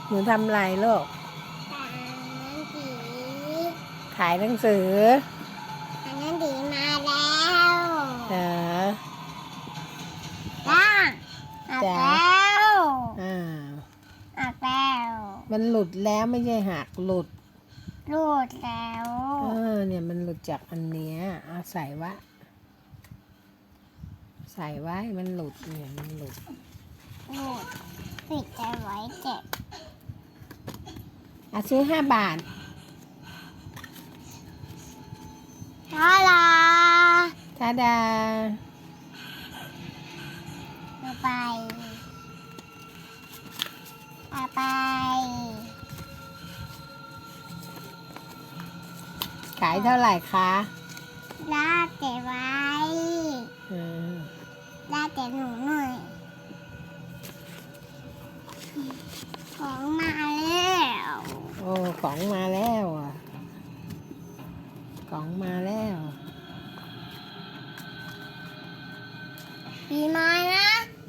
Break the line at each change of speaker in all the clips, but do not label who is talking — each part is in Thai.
หนูทำอะไรลูกขายหนังสือ
อันนั้นดีมาแล้ว
เหรอ
จ้าออกแล้ว
อ่า
ออกแล้ว
มันหลุดแล้วไม่ใช่หักหลุด
รูดแล้ว
เนี่ยมันหลุดจากอันเนี้ยเอาใส่ไว้มันหลุดเนี่ยมันหลุด
รูดปิดใจไว้เจ็บ
ซื้อ5 บาท
ทาลา
ทาดา
เอาไปเอาไป
ขายเท่าไหร่คะ
ลาดเจ็บไว้ลาดเจ็บหนูหน่อยของมาแล้ว
โอ้ของมาแล้วอ่ะของมาแล้ว
ปีใหม่นะ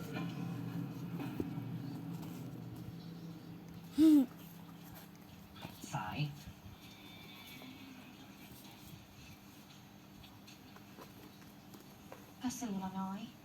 สายพัสดุละน้อย